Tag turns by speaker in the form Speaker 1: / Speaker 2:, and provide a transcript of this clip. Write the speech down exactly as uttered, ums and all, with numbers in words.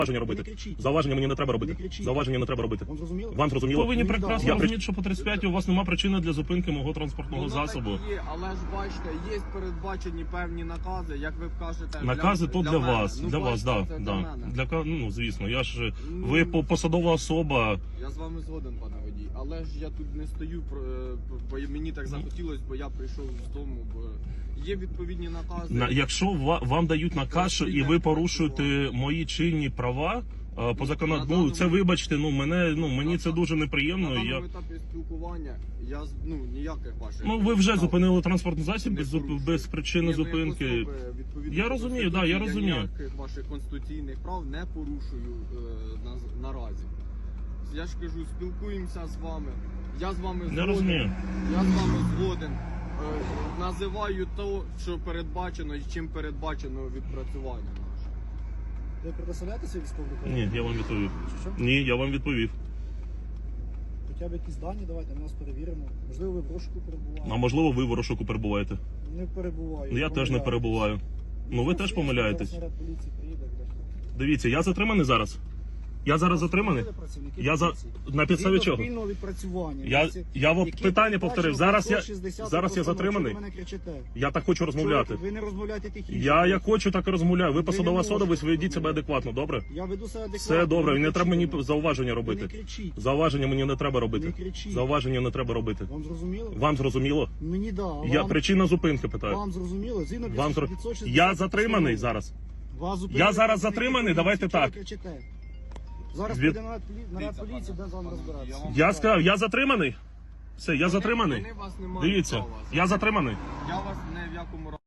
Speaker 1: Зауваження робити. Зауваження мені не треба робити. Зауваження не треба робити.
Speaker 2: Вам зрозуміло?
Speaker 1: Вам зрозуміло?
Speaker 3: Повинні прекрасно
Speaker 1: Я
Speaker 3: розуміти, що по тридцять п'ять у вас немає причини для зупинки мого транспортного
Speaker 4: Воно
Speaker 3: засобу.
Speaker 4: так і є, але ж бачите, є передбачені певні накази, як ви кажете.
Speaker 3: Накази то для
Speaker 4: мене.
Speaker 3: вас,
Speaker 4: Ну,
Speaker 3: для вас,
Speaker 4: бачите,
Speaker 3: да,
Speaker 4: це
Speaker 3: да.
Speaker 4: для мене.
Speaker 3: Для ка- ну звісно, я ж
Speaker 4: Ну,
Speaker 3: ви по- посадова особа.
Speaker 4: Я з вами згоден, пане водій, але ж я тут не стою, про- бо мені так захотілося, бо я прийшов з дому, бо є відповідні накази.
Speaker 3: На якщо ва- вам дають наказ, що і ви порушуєте мої чинні права. а, По закону, ну це вибачте, ну мене ну мені це дуже
Speaker 4: На
Speaker 3: неприємно.
Speaker 4: даному
Speaker 3: Я
Speaker 4: етапі спілкування я з- ну ніяких ваших.
Speaker 3: ну ви вже
Speaker 4: прав
Speaker 3: зупинили транспортний засіб
Speaker 4: не
Speaker 3: без зуп-
Speaker 4: порушую.
Speaker 3: без причини
Speaker 4: Ні, ну, як
Speaker 3: зупинки.
Speaker 4: особи, відповідно
Speaker 3: Я
Speaker 4: до
Speaker 3: розумію, да,
Speaker 4: Конституції,
Speaker 3: я розумію.
Speaker 4: ніяких ваших конституційних прав не порушую е, на, наразі. Я ж кажу, спілкуємося з вами. Я з вами
Speaker 3: Не
Speaker 4: згоден.
Speaker 3: розумію.
Speaker 4: Я з вами згоден. Е, називаю то, що передбачено і чим передбачено відпрацювання наше.
Speaker 2: Ви предоставляєте свій військовий документ?
Speaker 3: Ні, я вам відповів.
Speaker 2: Що?
Speaker 3: Ні, я вам відповів.
Speaker 2: Хоча б якісь дані давайте, ми вас перевіримо. Можливо, ви в розшуку
Speaker 3: А
Speaker 2: перебуваєте.
Speaker 3: можливо, ви в розшуку перебуваєте.
Speaker 2: Не перебуваю.
Speaker 3: Ну, я теж не
Speaker 2: помиляюсь.
Speaker 3: перебуваю. Ну ви теж помиляєтесь.
Speaker 2: Зараз наряд поліції приїде, буде.
Speaker 3: Дивіться, я затриманий зараз. Я зараз затриманий.
Speaker 2: Приїде працівники
Speaker 3: Я за
Speaker 2: поліції.
Speaker 3: на підставі
Speaker 2: Згідно
Speaker 3: чого?
Speaker 2: спільного відпрацювання.
Speaker 3: Я
Speaker 2: Які-
Speaker 3: я вам
Speaker 2: які
Speaker 3: питання
Speaker 2: передбачено
Speaker 3: повторив. Зараз я
Speaker 2: сто шістдесят
Speaker 3: зараз я
Speaker 2: постанов.
Speaker 3: затриманий.
Speaker 2: Чого ви мене кричите?
Speaker 3: Я так хочу розмовляти.
Speaker 2: Чого Ви не розмовляєте тихіше.
Speaker 3: Я як хочу, так і розмовляю. Ви
Speaker 2: Ви
Speaker 3: посадова
Speaker 2: не
Speaker 3: особа, ви
Speaker 2: можете
Speaker 3: ведіть себе
Speaker 2: розмовляти.
Speaker 3: адекватно, добре?
Speaker 2: Я веду себе адекватно.
Speaker 3: Все добре,
Speaker 2: ви
Speaker 3: і не треба мені
Speaker 2: кричите.
Speaker 3: зауваження
Speaker 2: Ви не
Speaker 3: робити.
Speaker 2: кричіть.
Speaker 3: Зауваження мені не треба
Speaker 2: Не
Speaker 3: робити.
Speaker 2: кричіть.
Speaker 3: Зауваження не треба робити.
Speaker 2: Вам зрозуміло?
Speaker 3: Вам зрозуміло?
Speaker 2: Мені да. а
Speaker 3: Я
Speaker 2: вам,
Speaker 3: причина зупинки питаю.
Speaker 2: вам зрозуміло? Згідно
Speaker 3: Вам зро-
Speaker 2: п'ятсот шістдесят
Speaker 3: Я затриманий
Speaker 2: постанови.
Speaker 3: зараз.
Speaker 2: Вас зупинили
Speaker 3: Я зараз
Speaker 2: працівники
Speaker 3: затриманий,
Speaker 2: поліції.
Speaker 3: давайте
Speaker 2: Чого ви
Speaker 3: так.
Speaker 2: кричите? Зараз
Speaker 3: Від-
Speaker 2: піде наряд полі- наряд поліції, де з вами розбиратися.
Speaker 4: вам-
Speaker 3: Я сказав, я затриманий. Все, я затриманий.
Speaker 4: Вони вас не мають
Speaker 3: Дивіться,
Speaker 4: права.
Speaker 3: я затриманий.
Speaker 4: Я вас не в якому разі.